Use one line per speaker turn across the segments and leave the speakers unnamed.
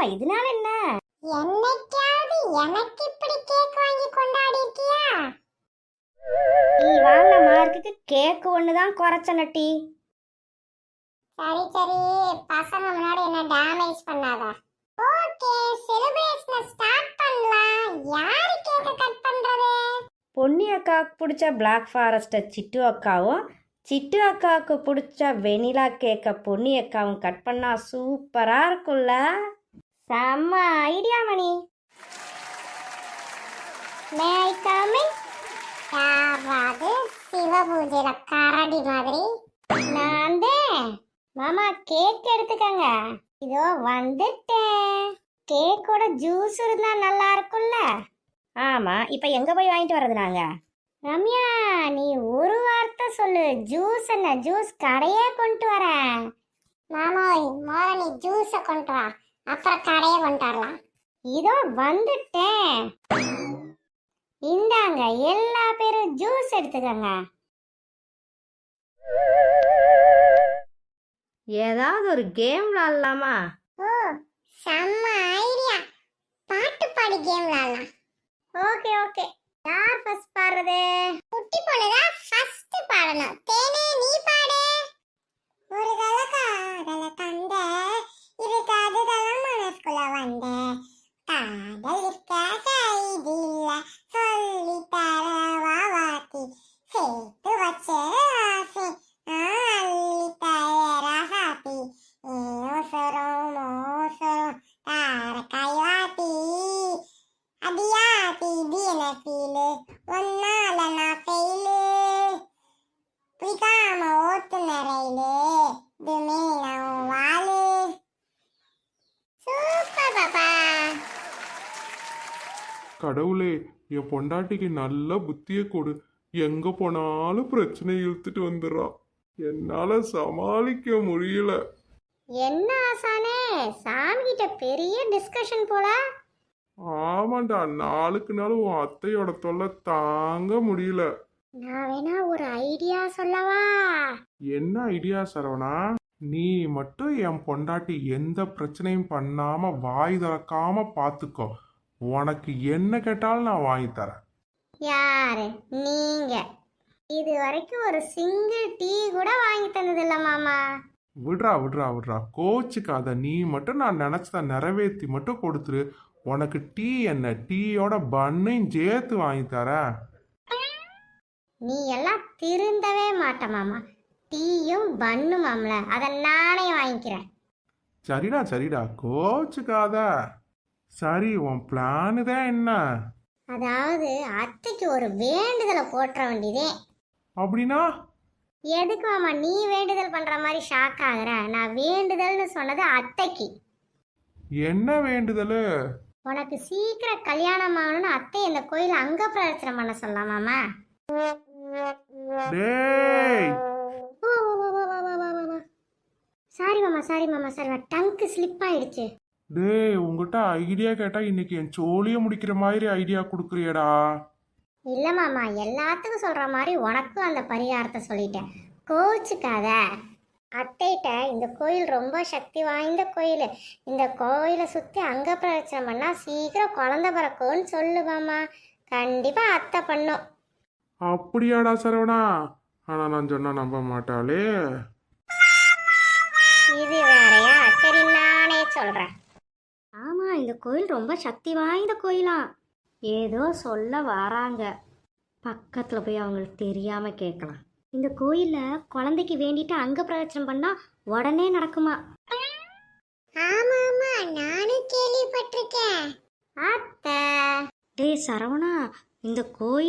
இதனால என்ன?
என்னைக்காவது எனக்கு இப்படி கேக் வாங்கி கொண்டாடி இருக்கியா?
நீ வாங்கின மார்க்குக்கு கேக்கு ஒண்ணுதான் குறைச்ச நட்டி.
சரி சரி, பசங்க முன்னாடி என்ன டேமேஜ் பண்ணாத. ஓகே, செலிப்ரேஷன் ஸ்டார்ட் பண்ணலாம். யாரு கேக்க கட் பண்றது?
பொன்னி அக்காவுக்கு பிடிச்ச பிளாக் ஃபாரஸ்ட்டை சிட்டு அக்காவும், சிட்டு அக்காவுக்கு பிடிச்ச வெனிலா கேக்கை பொன்னி அக்காவும் கட் பண்ணா சூப்பரா இருக்கும்ல. செம்ம idea money.
May I come in? யாராவது சிவபூஜையில கரடி மாதிரி?
நான் தான். மாமா கேக் எடுத்துக்கங்க. இதோ வந்துட்டேன். கேக்கோட ஜூஸ் இருந்தா நல்லா இருக்கும்ல. ஆமா, இப்ப எங்க போய் வாங்கிட்டு வர்றது நாங்க? ரம்யா, நீ ஒரு வார்த்தை சொல்லு. ஜூஸ் என்ன? ஜூஸ் கடையே கொண்டு வரேன்.
மாமோய், முதல்ல நீ ஜூஸை கொண்டு வா, அப்புறம் கடையை கொண்டு வரலாம்.
இதோ வந்துட்டேன். இந்தாங்க, எல்லா பேரும் ஜூஸ் எடுத்துக்கங்க. ஏதாவது ஒரு கேம் விளாடலாமா?
ஓ, செம்ம ஐடியா. பாட்டு பாடி கேம் விளையாடலாம்.
Okay okay. யார் ஃபர்ஸ்ட் பாடுறது?
குட்டி பொண்ணுதான் ஃபர்ஸ்ட் பாடணும். தேனே நீ பாடு. ஒரு காதல தந்த இது காதுதெல்லாம் மனசுக்குள்ள வந்த காதல் இருக்க கைதில்ல சொல்லி தரவா வாத்தி சேர்த்து வச்ச ஆசை அள்ளி தரா சாத்தி மோசரம் மோசரம் தார கைவாத்தி அடியாத்தி தீன ஃபீலு ஒன்னால நான் ஃபெயிலு பிடிக்காம ஓட்டுன ரயிலு இதுமே நான் வாழு. சூப்பர் பாப்பா.
கடவுளே, என் பொண்டாட்டிக்கு நல்ல புத்திய கொடு. எங்க போனாலும் பிரச்சனை இழுத்துட்டு வந்துடுறா. என்னால சமாளிக்க முடியல.
என்ன ஆசானே, சாமி கிட்ட பெரிய டிஸ்கஷன் போல.
ஆமாண்டா, நாளுக்கு நாள் உன் அத்தையோட தொல்லை தாங்க முடியல.
நான் வேணா ஒரு ஐடியா சொல்லவா?
என்ன ஐடியா சரவணா? நீ மட்டும் என் பொண்டாட்டி எந்த பிரச்சனையும் பண்ணாம வாய் திறக்காம பாத்துக்கோ. உனக்கு என்ன கேட்டாலும் நான் வாங்கி தரேன்.
யாரு நீங்க? இது வரைக்கும் ஒரு சிங்கிள் டீ கூட வாங்கி தந்தது இல்ல மாமா.
விட்றா விட்றா விட்றா, கோச்சுக்காத. நீ மட்டும் நான் நினைச்சத நிறைவேற்றி மட்டும் கொடுத்துரு. உனக்கு டீ என்ன, டீயோட பண்ணையும் சேர்த்து வாங்கி தரேன்.
நீ எல்லாம் திருந்தவே மாட்ட மாமா. டீயும் பண்ணுமாம்ல, அதை நானே வாங்கிக்கிறேன்.
சரிடா சரிடா, கோச்சுக்காத. சரி, உன் பிளானு தான் என்ன?
அதாவது அத்தைக்கு ஒரு வேண்டுதலை போட்டுற வேண்டியதே.
அப்படின்னா?
எதுக்கு மாமா நீ வேண்டுதல் பண்ற மாதிரி ஷாக் ஆகுற? நான் வேண்டுதல்னு சொன்னது அத்தைக்கு.
என்ன வேண்டுதல்?
உனக்கு சீக்கிரம் கல்யாணம் ஆகணும்னு அத்தை இந்த கோயில அங்க பிரச்சனை பண்ண சொல்லலாம் மாமா.
டேய்,
சாரி மாமா சாரி மாமா சாரி, டங்கு ஸ்லிப் ஆயிடுச்சு.
டேய், உங்ககிட்ட ஐடியா கேட்டா இன்னைக்கு என் சோழிய முடிக்கிற மாதிரி ஐடியா கொடுக்குறியடா.
இல்ல மாமா, எல்லாத்துக்கும் சொல்ற மாதிரி உனக்கும் அந்த பரிகாரத்தை சொல்லிட்டேன். கோச்சுக்காத. அத்தைகிட்ட இந்த கோயில் ரொம்ப சக்தி வாய்ந்த கோயில், இந்த கோயிலை சுற்றி அங்க பிரச்சனை பண்ணா சீக்கிரம் குழந்தை பிறக்கும்னு சொல்லு மாமா. கண்டிப்பா அத்தை பண்ணும்.
அப்படியாடா சரவணா? ஆனா நான் சொன்னா நம்ப மாட்டாளே.
இது வேறையா? சரி நானே சொல்றேன். ஆமா, இந்த கோயில் ரொம்ப சக்தி வாய்ந்த கோயிலா. ஏதோ சொல்ல வராங்க. பக்கத்துல போய் அவங்களுக்கு தெரியாம கேட்கலாம். இந்த கோயில்ல குழந்தைக்கு வேண்டிட்டு அங்க பிரதட்சணம் பண்ணா உடனே நடக்குமா?
ஆமா ஆமா, நானும் கேள்விப்பட்டிருக்கேன்.
அத்தை, டேய் சரவணா, இந்த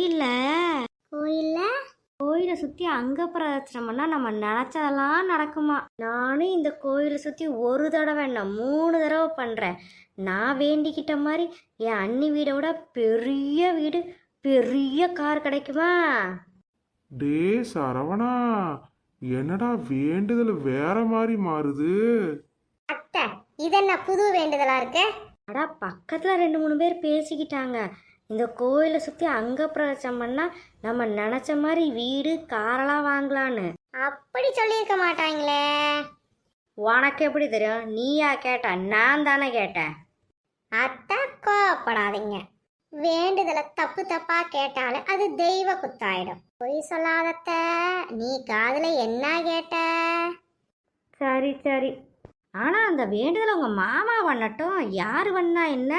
கோயிலை சுத்தி அங்க பிரதட்சணம் பண்ணா நம்ம நினைச்சதெல்லாம் நடக்குமா? நானும் இந்த கோயிலை சுத்தி ஒரு தடவை என்ன 3 தடவை பண்றேன். நான் வேண்டிக்கிட்ட மாதிரி என் அண்ணி வீடை விட பெரிய வீடு, பெரிய கார் கிடைக்குமா?
டே சரவணா, என்னடா வேண்டுதல் வேற மாதிரி மாறுது?
அத்தை, இதென்ன புது வேண்டுதலா இருக்கு? அடா, பக்கத்துல 2-3 பேர் பேசிக்கிட்டாங்க. இந்த கோயிலை சுத்தி அங்க பிரதட்சணம் பண்ணா நம்ம நினைச்ச மாதிரி வீடு காரெல்லாம் வாங்கலான்னு. அப்படி சொல்லியிருக்க மாட்டாங்களே. உனக்கு எப்படி தெரியும்? நீயா கேட்ட? நான் தானே கேட்டேன். அத்தை கோவப்படாதீங்க. வேண்டுதலை தப்பு தப்பா கேட்டாலும் அது தெய்வ குத்தாயிடும். பொய் சொல்லாதத்த. நீ காதுல என்ன கேட்ட? சரி சரி. ஆனா அந்த வேண்டுதலை உங்க மாமா பண்ணட்டும். யாரு பண்ணா என்ன?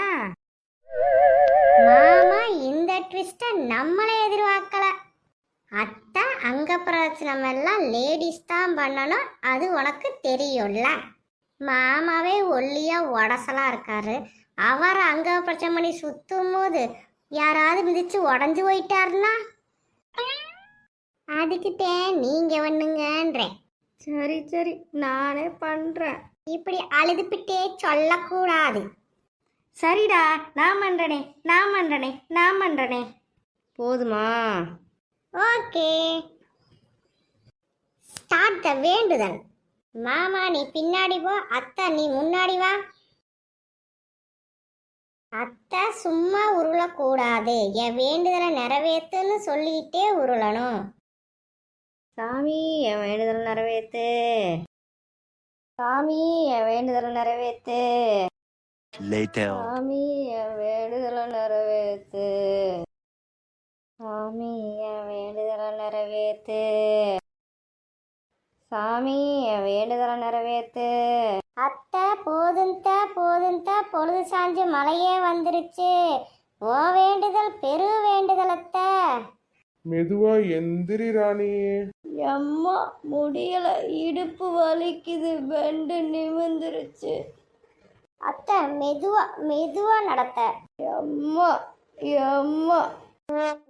மாமா இந்த ட்விஸ்ட நம்மளே எதிர்பார்க்கல. அத்தை அங்க பிரச்சனை எல்லாம் லேடிஸ் தான் பண்ணணும், அது உனக்கு தெரியும்ல. மாமாவே ஒல்லியா உடசலா இருக்காரு. அவர் அங்க பிரச்சனை பண்ணி சுத்தும் போது யாராவது மிதிச்சு உடஞ்சு போயிட்டாருன்னா அதுக்கிட்டே நீங்க பண்ணுங்கன்றேன். சரி சரி, நானே பண்றேன். இப்படி அழுதுபிட்டே சொல்லக்கூடாது. சரிடா, நான் பண்றனே நான் பண்றனே நான் பண்றனே. போதுமா? ஓகே, ஸ்டார்ட் த வேண்டுதல். மாமா நீ பின்னாடி போ, அத்தை நீ முன்னாடி வா. அத்தை சும்மா உருளக்கூடாது, என் வேண்டுதலை நிறைவேத்துன்னு சொல்லிட்டே உருளணும். சாமி என் வேண்டுதல் நிறைவேத்து. சாமி என் வேண்டுதலை நிறைவேத்து. சாமி என் வேண்டுதலை நிறைவேத்து. சாமி என் வேண்டுதலை நிறைவேத்து. சாமி என் வேண்டுதலை நிறைவேத்து. அத்தை போதுந்த பொழுது சாஞ்சு மழையே வந்துருச்சு. ஓ வேண்டுதல் பெரு வேண்டுதல் அத்தை.
மெதுவா எந்திரி ராணி.
அம்மா முடியல, இடுப்பு வலிக்குது, பெண்டு நிமிந்துருச்சு. அத்தை மெதுவா மெதுவா நடத்த. அம்மா அம்மா.